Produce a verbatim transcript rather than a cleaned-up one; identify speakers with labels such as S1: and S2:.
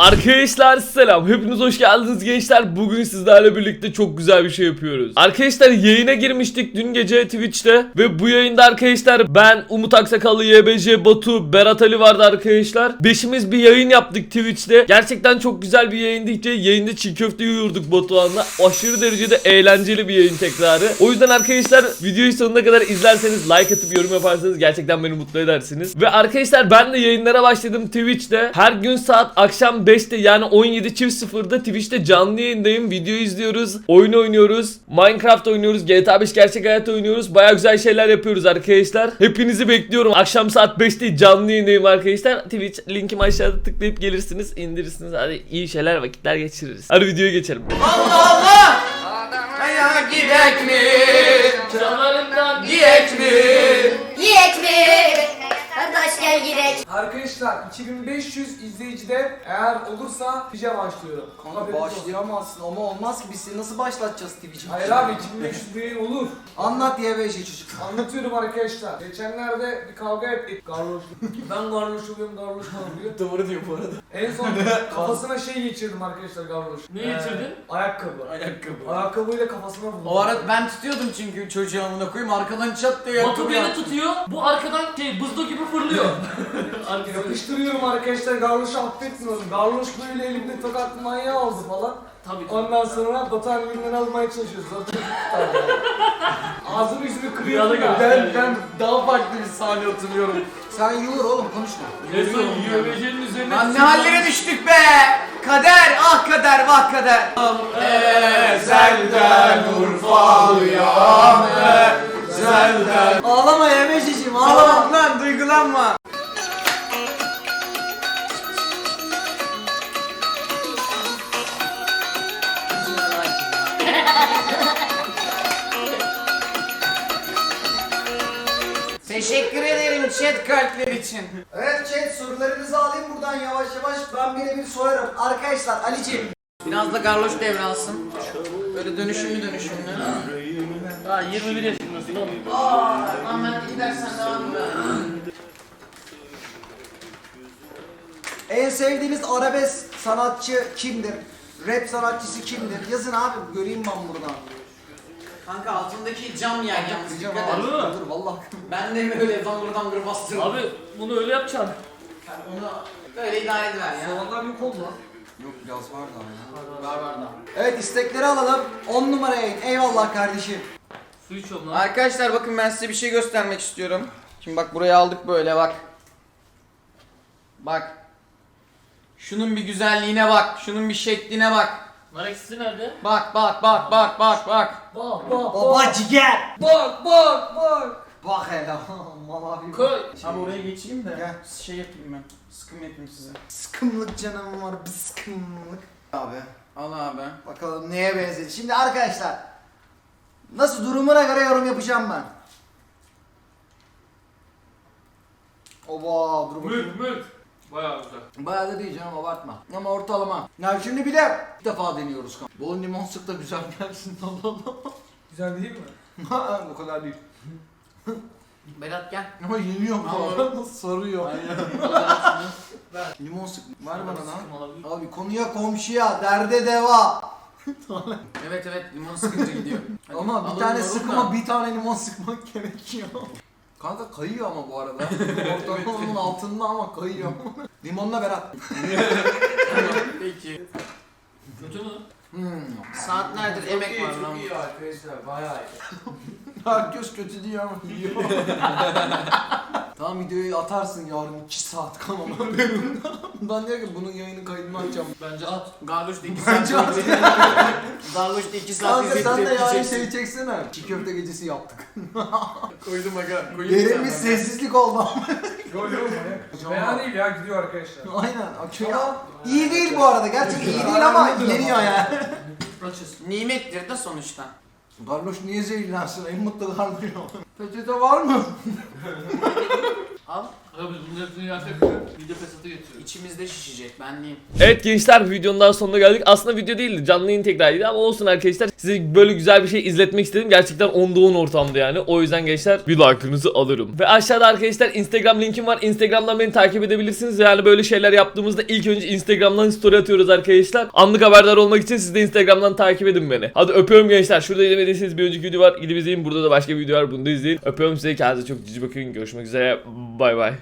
S1: Arkadaşlar selam, hepiniz hoş geldiniz gençler. Bugün sizlerle birlikte çok güzel bir şey yapıyoruz. Arkadaşlar yayına girmiştik dün gece Twitch'te ve bu yayında arkadaşlar ben, Umut Aksakallı, Y B C, Batu, Berat Ali vardı arkadaşlar. Beşimiz bir yayın yaptık Twitch'te. Gerçekten çok güzel bir yayındı. Yayında çiğ köfte yiyorduk Batuhan'la. Aşırı derecede eğlenceli bir yayın tekrarı. O yüzden arkadaşlar videoyu sonuna kadar izlerseniz, like atıp yorum yaparsanız gerçekten beni mutlu edersiniz. Ve arkadaşlar ben de yayınlara başladım Twitch'te. Her gün saat akşam beşte yani on yedi sıfırda Twitch'te canlı yayındayım. Video izliyoruz, oyun oynuyoruz, Minecraft oynuyoruz, G T A beş gerçek hayat oynuyoruz. Baya güzel şeyler yapıyoruz arkadaşlar. Hepinizi bekliyorum. Akşam saat beşte canlı yayındayım arkadaşlar. Twitch linkim aşağıda, tıklayıp gelirsiniz, indirirsiniz. Hadi iyi şeyler, vakitler geçiririz. Hadi videoya geçelim.
S2: Allah Allah! Aya gidek mi?
S1: Canlarımdan
S2: Gidek mi?
S3: Yiyek mi? Kardeş gel girek.
S4: Arkadaşlar iki bin beş yüz izleyicide eğer olursa Twitch'e başlıyorum.
S2: Kanka
S4: Haberiniz olsun.
S2: başlayamazsın ama olmaz ki biz seni nasıl başlatacağız Twitch'e?
S4: Hayır abi iki bin beş yüz değil olur.
S2: Anlat diye bir şey çocuk.
S4: Anlatıyorum arkadaşlar. Geçenlerde bir kavga ettik. Garloş. Ben garloş oluyorum, garloş oluyor.
S2: Doğru diyor bu arada.
S4: En son kafasına şey geçirdim arkadaşlar garloş.
S1: Ne geçirdin?
S4: Ayakkabı.
S2: Ayakkabı.
S4: Ayakkabıyla kafasına vurdum.
S5: O arada ben tutuyordum çünkü çocuğu amına koyayım, arkadan çat diye
S6: Batu beni tutuyor, bu arkadan şey buzlu gibi fırlıyor.
S4: Yapıştırıyorum arkadaşlar, garloşu affetmiyorum. Garloş böyle elimde tokat manyağı oldu falan.
S6: Tabii.
S4: Ondan sonra Batuhan elinden almaya çalışıyoruz. Ağzını yüzünü kırıyor.
S6: Rüyada
S4: ya.
S6: görmüştüm.
S5: Ben, ben daha farklı bir sahne hatırlıyorum.
S2: Sen yuğur oğlum konuşma.
S6: Resmen Y B C'nin üzerine...
S5: Lan ne hallere düştük be! Kader, ah kader, vah kader. Ezelden Urfalıyam, ezelden.
S2: Ağlama Yemeciğim
S5: Ağlama
S2: ağlama.
S5: lan, duygulanma. Teşekkür ederim chat kalpler için.
S2: Evet chat sorularınızı alayım buradan yavaş yavaş. Ben birebir sorarım. Arkadaşlar Ali'ciğim.
S5: Biraz da garloş devralsın. Böyle dönüşümlü dönüşümlü.
S6: Daha yirmi bir yaşındasın oğlum.
S5: Aa, Ahmet gidersen devam et.
S2: En sevdiğiniz arabesk sanatçı kimdir? Rap sanatçısı kimdir? Yazın abi göreyim ben buradan.
S5: Kanka altındaki cam yer yalnız
S2: Diyeceğim
S5: dikkat
S2: abi.
S5: et.
S6: Harbi mi?
S2: Dur vallahi.
S5: Ben de böyle dangır dangır bastırdım.
S6: Abi bunu öyle yapacaksın.
S5: Yani onu böyle idare ediver ya.
S4: Zamanlar yok oldu lan.
S2: Yok biraz var daha ya.
S5: Var var da.
S2: Evet istekleri alalım. on numaraya in. Eyvallah kardeşim.
S6: Su içiyorum lan.
S5: Arkadaşlar bakın ben size bir şey göstermek istiyorum. Şimdi bak buraya aldık böyle bak. Bak. Şunun bir güzelliğine bak. Şunun bir şekline bak.
S6: Nar ekşisi nerede?
S5: Bak bak bak bak bak bak.
S4: Bak bak
S2: Baba ciger.
S4: bak bak bak.
S2: Bak hele. Mal abi.
S6: Koy.
S5: Abi oraya geçeyim de
S2: Gel.
S5: şey yapayım ben. Sıkım yapayım size.
S2: Sıkımlık canım var. Bir sıkımlık. Abi.
S5: Al abi.
S2: Bakalım neye benzedi. Şimdi arkadaşlar. Nasıl durumuna göre yorum yapacağım ben. Oba dur bakayım.
S6: Mülk mülk. Bayağı güzel.
S2: Bayağı da değil canım abartma. Ama ortalama. Ya şimdi bir de ilk defa deniyoruz. Bol limon sık da güzel gelsin. Allah Allah.
S4: Güzel değil mi?
S2: Bu kadar değil.
S5: Berat gel.
S2: Ama yeniyor bu
S5: Ama-
S2: arada sarıyor. Limon sık. Ver bana lan. Abi konuya komşuya derde deva.
S5: Evet evet limon sıkınca gidiyor. Hadi,
S2: Ama bir
S5: alın
S2: tane
S5: limonu
S2: sıkma
S5: da.
S2: bir tane limon sıkmak gerekiyor. Kanka kayıyor ama bu arada. Ortalamanın altında ama kayıyor. Limonla Berat.
S5: Peki.
S6: Kötü mü?
S2: Hmm.
S5: Saatlerdir emek var lan.
S4: arkadaşlar bayağı iyi.
S2: Herkes kötü diyor ama yiyor. Tamam videoyu atarsın yarın iki saat kanalıma benim. Ben diyor ki bunun yayını kaydını açacağım.
S6: Bence at.
S5: Garloş da iki saat.
S2: Bence at.
S5: Garloş da iki saat
S2: Kanka sen de
S5: tepki
S2: yarın
S5: çeksin.
S2: şey çeksene. Çiğ köfte gecesi yaptık.
S5: Koydum aga. Koyayım
S2: Derin bir
S5: sen
S2: sessizlik oldu.
S4: Yok yok manyak. Fena değil ya, gidiyor arkadaşlar.
S2: Aynen. Akıyor. İyi değil bu arada. Gerçekten iyi değil ama yeniyor yani.
S6: Açız.
S5: bana. Nimettir de sonuçta.
S2: Garloş niye zehirlensin? En mutlu Garloş. Peçete var mı?
S5: Al.
S6: Abi biz bunun hepsini yersek mide fesatı getiriyor.
S5: İçimizde şişecek ben diyeyim.
S1: Evet gençler, videonun daha sonuna geldik. Aslında video değildi, canlı yayın tekrarıydı ama olsun arkadaşlar. Size böyle güzel bir şey izletmek istedim. Gerçekten onda on ortamdı yani. O yüzden gençler bir like'ınızı alırım. Ve aşağıda arkadaşlar Instagram linkim var. Instagram'dan beni takip edebilirsiniz. Yani böyle şeyler yaptığımızda ilk önce Instagram'dan story atıyoruz arkadaşlar. Anlık haberdar olmak için siz de Instagram'dan takip edin beni. Hadi öpüyorum gençler. Şurada izlemediyseniz bir önceki video var. Gidip izleyin. Burada da başka bir video var. Bunu da izleyin. Öpüyorum size. Kendinize çok cici bakın. Görüşmek üzere. Bay bay.